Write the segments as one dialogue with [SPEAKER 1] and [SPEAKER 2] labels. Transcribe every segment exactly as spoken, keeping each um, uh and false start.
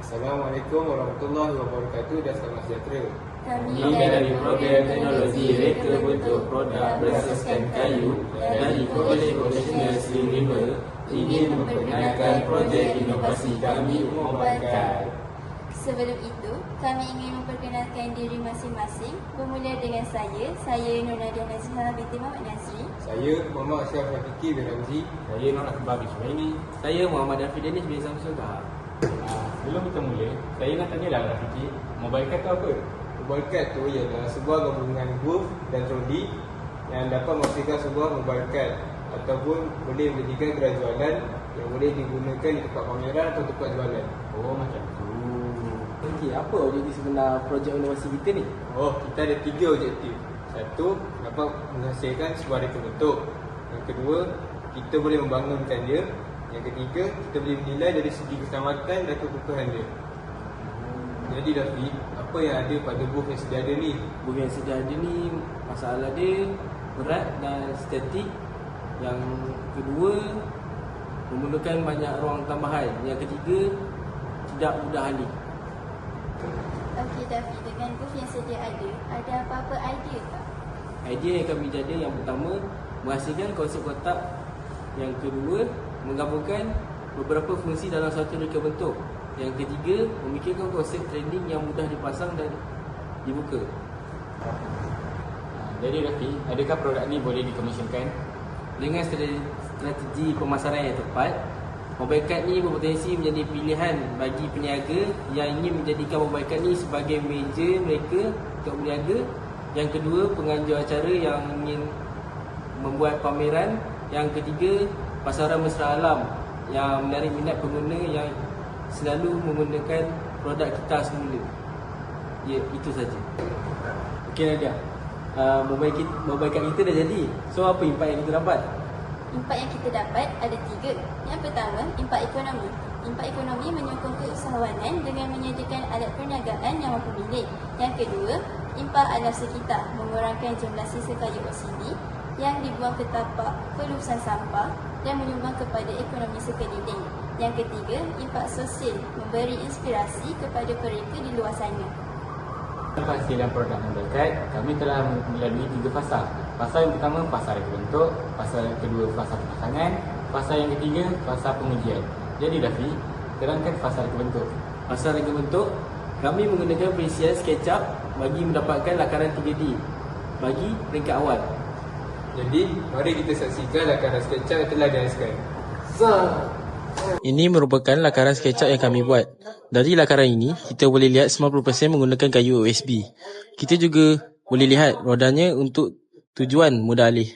[SPEAKER 1] Assalamualaikum warahmatullahi wabarakatuh dan selamat sejahtera.
[SPEAKER 2] Kami dari program teknologi reka bentuk produk berasaskan kayu dari College Profesional Slim River ingin memperkenalkan projek inovasi kami Mobile Card.
[SPEAKER 3] Sebelum itu, kami ingin memperkenalkan diri masing-masing. Bermula dengan saya, saya Nur Nadia Nazihah binti Muhammad Nazri.
[SPEAKER 1] Saya Muhammad Ashraf Rafiqi bin Ramzi.
[SPEAKER 4] Saya Nur Akbar bin Suhaimi.
[SPEAKER 2] Saya Muhammad Afiq Danish bin Samsul Kahar.
[SPEAKER 4] Ah, Sebelum kita mula, saya nak tanyalah Rafiqi, Mobile Card tu apa?
[SPEAKER 1] Mobile Card tu ialah sebuah gabungan booth dan troli yang dapat menghasilkan sebuah mobile card ataupun boleh menjadikan gerai jualan yang boleh digunakan di tempat pameran atau tempat jualan.
[SPEAKER 4] Oh, macam tu.
[SPEAKER 2] Okey, apa objektif sebenar projek inovasi kita ni?
[SPEAKER 1] Oh, kita ada tiga objektif. Satu, dapat menghasilkan sebuah reka bentuk. Yang kedua, kita boleh membangunkan dia. Yang ketiga, kita boleh menilai dari segi keselamatan dan kekukuhan dia. Jadi Dafi, apa yang ada pada booth yang sedia ada ni?
[SPEAKER 2] Booth yang sedia ada ni, masalah dia berat dan statik. Yang kedua, memerlukan banyak ruang tambahan. Yang ketiga, tidak mudah alih.
[SPEAKER 3] Okey Dafi, dengan booth yang sedia ada, ada apa-apa idea tak?
[SPEAKER 2] Idea yang kami jada yang pertama, menghasilkan konsep kotak. Yang kedua, menggabungkan beberapa fungsi dalam satu reka bentuk. Yang ketiga, memikirkan konsep trending yang mudah dipasang dan dibuka.
[SPEAKER 4] Ah, Jadi Rafi, adakah produk ni boleh dikomisionkan?
[SPEAKER 2] Dengan strate- strategi pemasaran yang tepat, Mobile Card ni berpotensi menjadi pilihan bagi peniaga yang ingin menjadikan Mobile Card ni sebagai meja mereka untuk berniaga. Yang kedua, penganjur acara yang ingin membuat pameran. Yang ketiga, pasaran mesra alam yang menarik minat pengguna yang selalu menggunakan produk kita semula. Ya, itu saja. Okey Nadia, uh, mobile, kita, mobile card kita dah jadi. So apa impak yang kita dapat?
[SPEAKER 3] Impak yang kita dapat ada tiga. Yang pertama, impak ekonomi. Impak ekonomi menyokong keusahawanan dengan menyediakan alat perniagaan yang mampu milik. Yang kedua, impak alam sekitar, mengurangkan jumlah sisa kayu oksidi yang dibuang ke tapak pelurusan sampah dan menyumbang kepada ekonomi sekeliling. Yang ketiga, impak sosial, memberi inspirasi kepada mereka di luar sana.
[SPEAKER 4] Penghasilan produk Mobile Card, kami telah melalui tiga fasa. Fasa yang pertama, fasa reka bentuk. Fasa yang kedua, fasa pemasangan. Fasa yang ketiga, fasa pengujian. Jadi Dafi, terangkan fasa reka bentuk.
[SPEAKER 2] Pasal reka bentuk, kami menggunakan perincian SketchUp bagi mendapatkan lakaran tiga D bagi peringkat awal.
[SPEAKER 1] Jadi, mari kita saksikan lakaran SketchUp yang telah dihasilkan.
[SPEAKER 5] Ini merupakan lakaran SketchUp yang kami buat. Dari lakaran ini, kita boleh lihat sembilan puluh peratus menggunakan kayu O S B. Kita juga boleh lihat rodanya untuk tujuan mudah alih.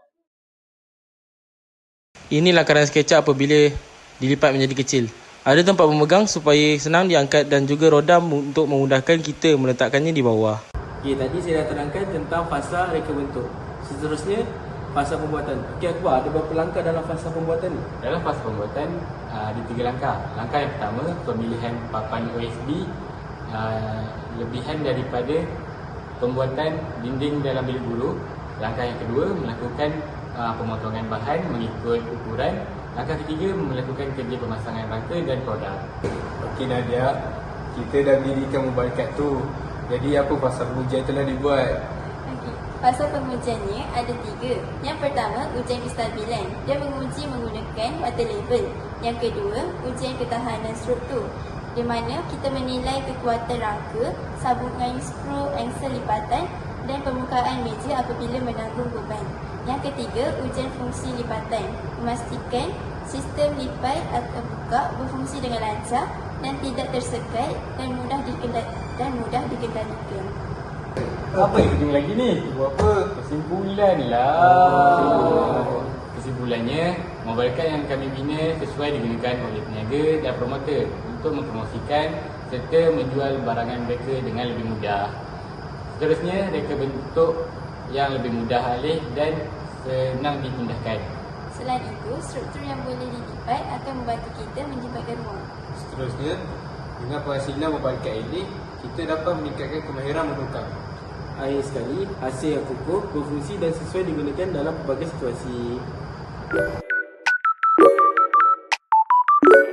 [SPEAKER 5] Ini lakaran SketchUp apabila dilipat menjadi kecil. Ada tempat pemegang supaya senang diangkat dan juga roda untuk memudahkan kita meletakkannya di bawah.
[SPEAKER 2] Okey, tadi saya dah terangkan tentang fasa reka bentuk. Seterusnya, fasa pembuatan. Okey Akbar, ada berapa langkah dalam fasa pembuatan ni?
[SPEAKER 4] Dalam fasa pembuatan, uh, ada tiga langkah. Langkah yang pertama, pemilihan papan O S B, uh, lebihan daripada pembuatan dinding dalam bilik guru. Langkah yang kedua, melakukan uh, pemotongan bahan mengikut ukuran. Langkah ketiga, melakukan kerja pemasangan rangka dan produk.
[SPEAKER 1] Okey Nadia, kita dah mendirikan mobile card tu. Jadi apa fasa pengujian telah dibuat?
[SPEAKER 3] Okey, fasa pengujiannya ada tiga. Yang pertama, ujian kestabilan. Dia menguji menggunakan water level. Yang kedua, ujian ketahanan struktur, di mana kita menilai kekuatan rangka, sambungan skru angsel lipatan dan permukaan meja apabila menanggung beban. Yang ketiga, ujian fungsi lipatan, memastikan sistem lipat atau buka berfungsi dengan lancar dan tidak tersekat dan mudah dikendali dan mudah dikendalikan.
[SPEAKER 4] Apa yang penting lagi ni?
[SPEAKER 1] Buat apa?
[SPEAKER 4] Kesimpulan lah. Oh. Kesimpulannya, Mobile Card yang kami bina sesuai digunakan oleh peniaga dan promoter untuk mempromosikan serta menjual barangan mereka dengan lebih mudah. Seterusnya, reka bentuk yang lebih mudah alih dan senang dipindahkan.
[SPEAKER 3] Selain itu, struktur yang boleh dilipat akan membantu kita menjimatkan ruang.
[SPEAKER 1] Seterusnya, dengan penghasilan mobile card ini, kita dapat meningkatkan kemahiran menukar.
[SPEAKER 2] Akhir sekali, hasil yang kukuh, berfungsi dan sesuai digunakan dalam pelbagai situasi.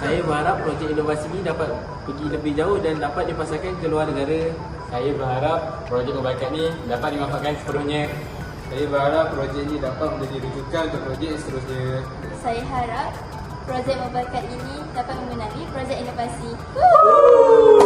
[SPEAKER 2] Saya berharap projek inovasi ini dapat pergi lebih jauh dan dapat dipasarkan ke luar negara.
[SPEAKER 4] Saya berharap projek mobile card ni dapat dimanfaatkan sepenuhnya.
[SPEAKER 1] Saya berharap projek ini dapat menjadi rujukan untuk projek seterusnya.
[SPEAKER 3] Saya harap projek mobile card ini dapat memenangi projek inovasi. Woo!